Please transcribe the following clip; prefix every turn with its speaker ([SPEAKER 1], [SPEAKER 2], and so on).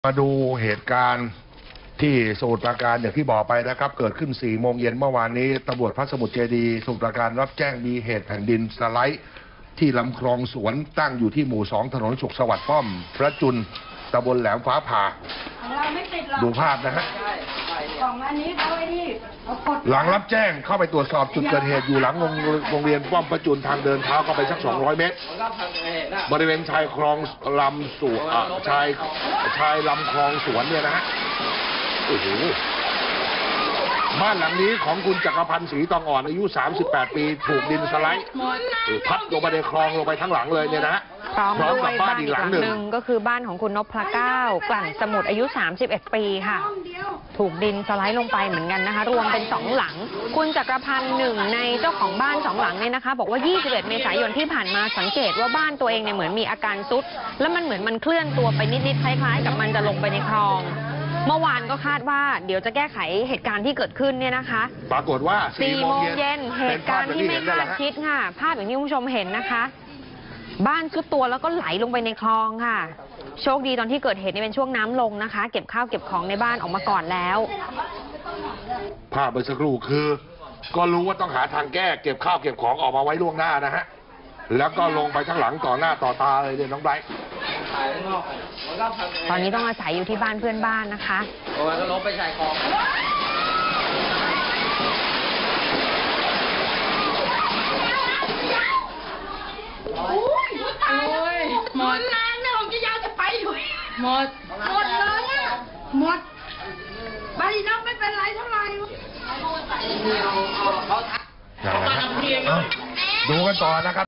[SPEAKER 1] มาดูเหตุการณ์ที่สมุทรปราการอย่างที่บอกไปนะครับเกิดขึ้น4 โมงเย็นเมื่อวานนี้ตำรวจพระสมุทรเจดีย์สมุทรปราการรับแจ้งมีเหตุแผ่นดินสไลด์ที่ลำคลองสวนตั้งอยู่ที่หมู่ 2ถนนสุขสวัสดิ์ป้อมพระจุลตำบลแหลมฟ้าผ่าดูภาพนะฮะหลังรับแจ้งเข้าไปตรวจสอบจุดเกิดเหตุอยู่หลังโรงเรียนป้อมพระจุลทางเดินเท้าเข้าไปสัก200 เมตรบริเวณชายคลองลำสวนชายลำคลองสวนเนี่ยนะฮะโอ้โหบ้านหลังนี้ของคุณจักรพันธ์ศรีตองอ่อนอายุ38 ปีถูกดินสไลด์พัดลงไปในคลองลงไปทั้งหลังเลยเนี่ยนะฮะ
[SPEAKER 2] พร้อมกับบ้านอีกหลังหนึ่งก็คือบ้านของคุณนพเก้ากลั่นสมุทรอายุ31 ปีค่ะถูกดินสไลด์ลงไปเหมือนกันนะคะรวมเป็น2 หลังคุณจักรพันธ์หนึ่งในเจ้าของบ้าน2 หลังเนี่ยนะคะบอกว่า21 เมษายนที่ผ่านมาสังเกตว่าบ้านตัวเองเนี่ยเหมือนมีอาการซุดแล้วมันเหมือนมันเคลื่อนตัวไปนิดๆคล้ายๆกับมันจะลงไปในคลองเมื่อวานก็คาดว่าเดี๋ยวจะแก้ไขเหตุการณ์ที่เกิดขึ้นเนี่ยนะคะ
[SPEAKER 1] ปรากฏว่า
[SPEAKER 2] 4 โมงเย็นเหตุการณ์ที่ไม่คาดคิดค่ะภาพอย่างที่คุณผู้ชมเห็นนะคะบ้านซุดตัวแล้วก็ไหลลงไปในคลองค่ะโชคดีตอนที่เกิดเหตุนี่เป็นช่วงน้ำลงนะคะเก็บข้าวเก็บของในบ้านออกมาก่อนแล้ว
[SPEAKER 1] ภาพเมื่อสักครู่คือก็รู้ว่าต้องหาทางแก้เก็บข้าวเก็บของออกมาไว้ล่วงหน้านะฮะแล้วก็ลงไปข้างหลังต่อหน้าต่อตาเลยเนี่ยน้องไบรท์
[SPEAKER 2] ตอนนี้ต้องอาศัยอยู่ที่บ้านเพื่อนบ้านนะคะ
[SPEAKER 3] ก็ลงไปชายคลอง
[SPEAKER 4] หมดนานนะผมจะยาวจะไปอยู่หมดเลยอ่ะหมดบาลีน้องไม่เป็นไรเท่าไหร่
[SPEAKER 1] ดูกันต่อนะครับ